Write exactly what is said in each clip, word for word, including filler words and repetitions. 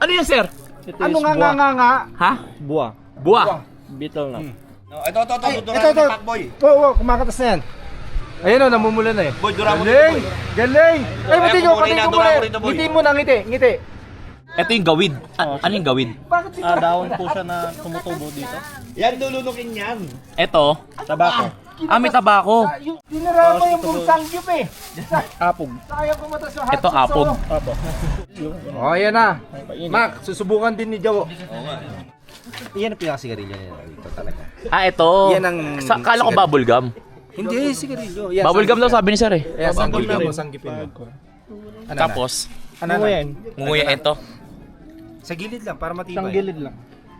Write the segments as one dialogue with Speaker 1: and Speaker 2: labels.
Speaker 1: Ano yan, sir?
Speaker 2: Ito
Speaker 3: Ano
Speaker 2: is
Speaker 3: nga nga
Speaker 2: buwa.
Speaker 3: nga nga?
Speaker 1: Ha?
Speaker 2: Buwa.
Speaker 1: Buwa.
Speaker 2: Beetle na.
Speaker 4: No, ito, ito, ito,
Speaker 3: Ay,
Speaker 4: ito,
Speaker 3: ito, ito.
Speaker 4: Boy.
Speaker 3: Oo, oh, kumakatas na yan. Ayun o, namumula na eh.
Speaker 4: Boy, dura mo
Speaker 3: Galing!
Speaker 4: dito, boy.
Speaker 3: Galing! Ay, pati
Speaker 4: Ay,
Speaker 3: ko,
Speaker 4: kumuri
Speaker 3: pati
Speaker 4: na,
Speaker 3: ko
Speaker 4: dura
Speaker 3: muna.
Speaker 4: mo rito, boy.
Speaker 3: Ngiti mo na, ngiti, ngiti.
Speaker 1: Ito yung gawid. A- ano yung gawid?
Speaker 3: Bakit si
Speaker 2: Ah, dahon po siya na tumutubo dito.
Speaker 4: Yan, lulunukin yan.
Speaker 1: Ito.
Speaker 2: Tabako.
Speaker 1: Ah, may tabako.
Speaker 3: Ah, yung dinara mo yung buong sangyup eh.
Speaker 2: Apog.
Speaker 3: Sayang pumatas yung hot
Speaker 1: Ito,
Speaker 3: sauce,
Speaker 1: apog.
Speaker 3: oh.
Speaker 2: Apo.
Speaker 3: Oh, yan na.
Speaker 2: Painit.
Speaker 3: Mac, susubukan din ni Jawo.
Speaker 4: Yan ang pinakasigarilyo niya. Ito talaga.
Speaker 1: Ah, ito.
Speaker 3: Yan ang
Speaker 1: Sa, kala ko bubble gum.
Speaker 3: Hindi, sigarilyo. Yan,
Speaker 1: Bubble gum daw sabi ni sir eh.
Speaker 3: Ayan,
Speaker 2: Bubble
Speaker 3: sanggipin
Speaker 2: gum.
Speaker 3: mo, sanggipin mo. Ano na?
Speaker 1: Tapos,
Speaker 3: Ano
Speaker 2: Ano
Speaker 3: na?
Speaker 2: yan?
Speaker 1: nguya ito.
Speaker 3: Sa gilid lang, para matibay.
Speaker 2: Isang gilid lang.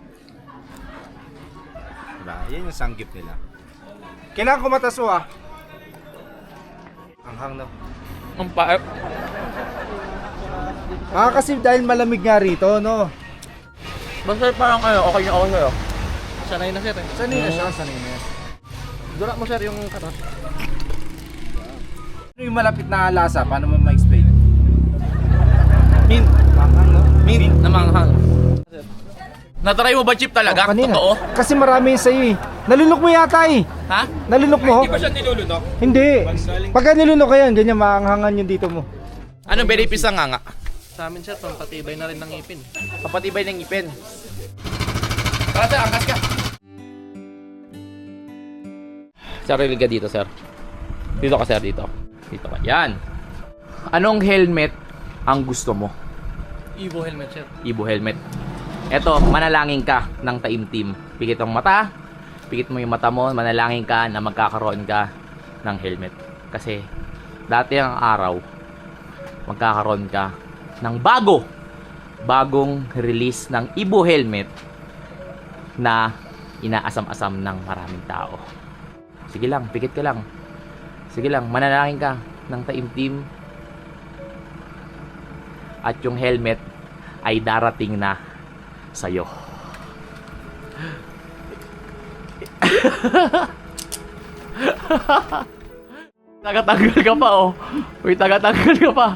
Speaker 3: Diba? Yan yung sanggip nila. Kailangan kumataso ah. Ang hang na.
Speaker 1: Ang pa...
Speaker 3: Ah, kasi dahil malamig nga rito, no?
Speaker 1: Basta parang ano, okay na okay sa'yo.
Speaker 2: Sanay na sir eh.
Speaker 3: Sanay na siya, sanay na.
Speaker 2: Dura mo sir yung katas.
Speaker 3: Ano yung malapit na lasa? Paano mo ma-explain?
Speaker 1: Mint.
Speaker 3: Manghang, no?
Speaker 1: Mint na manghang. Natry mo ba, Chip, talaga?
Speaker 3: Oh, kanina.
Speaker 1: Totoo?
Speaker 3: Kasi marami yung sa'yo eh. Nalunok mo yata eh.
Speaker 1: Ha?
Speaker 3: Nalunok mo?
Speaker 4: Di ba siya nilulunok?
Speaker 3: Hindi. Pagka nilunok ka yan, ganyan maanghangan yung dito mo.
Speaker 1: Anong benefits ng nga?
Speaker 2: Sa amin sir, pampatibay na rin ng ngipin.
Speaker 1: Papatibay ng ngipin. Tara, sir, angkas ka. Sarili ka dito, sir. Dito ka, sir, dito. Dito ka. Yan. Anong helmet ang gusto mo?
Speaker 2: Evo helmet sir.
Speaker 1: Ibo helmet. Eto, manalangin ka ng taimtim. Pikit ang mata. Pikit mo yung mata mo. Manalangin ka na magkakaroon ka ng helmet. Kasi, dati ang araw, magkakaroon ka ng bago. Bagong release ng Ibo helmet na inaasam-asam ng maraming tao. Sige lang, pikit ka lang. Sige lang, manalangin ka ng taimtim. At yung helmet ay darating na sa'yo. Tagatanggal ka pa, oh. Uy, tagatanggal ka pa.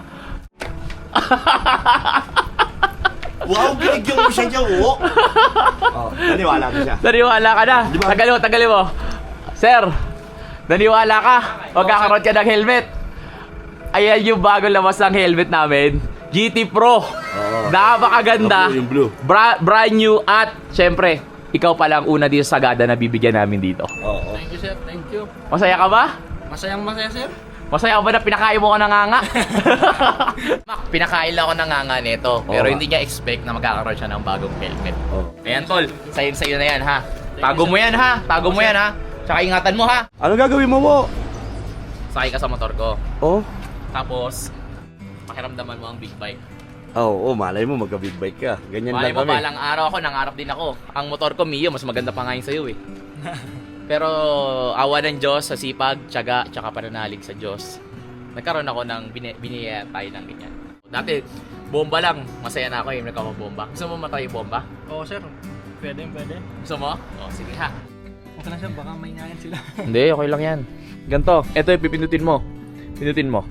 Speaker 4: Wow, binigyan mo siya dyan, oh. Oh, naniwala ko siya.
Speaker 1: Naniwala ka na. Tagalin mo, tagalin mo. Sir, naniwala ka. Magkakaroon ka ng helmet. Ayan yung bago labas ng helmet namin. G T Pro. Napakaganda.
Speaker 4: Yung blue.
Speaker 1: Bra- brand new at syempre, ikaw pa lang una dito sa Sagada na bibigyan namin dito.
Speaker 4: Oo.
Speaker 2: Thank you sir, thank you.
Speaker 1: Masaya ka ba?
Speaker 2: Masayang masaya sir.
Speaker 1: Masaya ka ba na pinakain mo ko ng nganga? Mak, pinakain lang ako ng nganga nito. Pero
Speaker 4: Oo.
Speaker 1: hindi niya expect na magkakaroon siya ng bagong helmet.
Speaker 4: Oh.
Speaker 1: Ayan tol, sa'yo sa'yo na yan ha. Tago mo yan ha. Tago mo yan ha. Tsaka ingatan mo ha.
Speaker 4: Ano gagawin mo mo?
Speaker 1: Sakay ka sa motor ko.
Speaker 4: Oh.
Speaker 1: Tapos, pakiramdaman mo ang big bike.
Speaker 4: Oo, oh, oh, malay mo magka-big bike ka. Ganyan
Speaker 1: Malay
Speaker 4: lang
Speaker 1: mo
Speaker 4: kami.
Speaker 1: balang araw ako, nangarap din ako. Ang motor ko, Mio, mas maganda pa nga yung sa'yo eh. Pero awa ng Diyos, sa sipag, tiyaga, tsaka pananalig sa Diyos, nagkaroon ako ng bini- biniyaya tayo ng ganyan. Dati, bomba lang. Masaya na ako eh, nagkakabomba. Gusto mo matay yung bomba?
Speaker 2: Oo sir, pwede pwede.
Speaker 1: Gusto mo? O, sige ha.
Speaker 2: Okay lang sir, baka may ngayon sila.
Speaker 1: Hindi, okay lang yan. Ganto, ito yung pipindutin mo. Pindutin mo.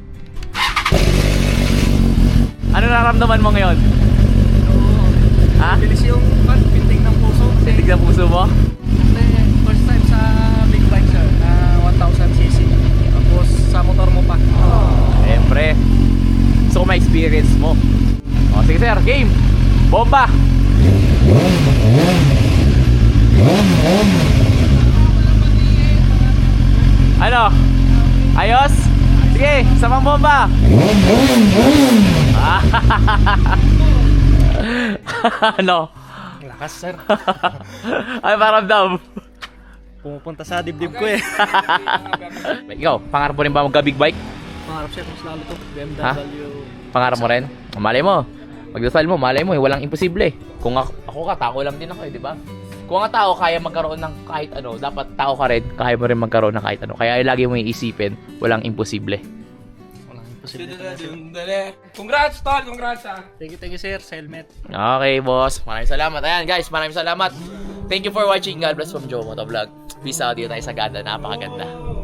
Speaker 1: Ano nararamdaman mo ngayon? Ha?
Speaker 2: Bilis yung pinting ng puso.
Speaker 1: Titig na puso mo?
Speaker 2: Kasi first time sa big bike sir, na one thousand c c. Tapos sa motor mo pa.
Speaker 1: Siyempre. Gusto ko ma-experience mo. O, sige sir, game! Bomba! Ano? Ayos? Sige, samang bomba! Ano?
Speaker 2: Lakas sir.
Speaker 1: Ay, paramdam.
Speaker 2: Pumupunta sa dibdib ko eh.
Speaker 1: Ikaw, pangarap mo rin ba magka-big bike?
Speaker 2: Pangarap sir, mas lalo to. B M W.
Speaker 1: Ha? Pangarap mo rin? Malay mo. Magdasal mo, malay mo, eh, walang imposible. Kung ako, ako ka, tao lang din ako eh, di ba? Kung ang tao kaya magkaroon ng kahit ano, dapat tao ka rin, kaya mo rin magkaroon ng kahit ano. Kaya lagi mo iisipin, walang imposible.
Speaker 2: Walang imposible.
Speaker 4: Congrats, tol! Congrats, ah!
Speaker 2: Thank you, thank you sir, sa helmet.
Speaker 1: Okay, boss. Maraming salamat. Ayan, guys, maraming salamat. Thank you for watching. God bless from Joe Motovlog. Peace out. Dito tayo sa Ganda. Napakaganda.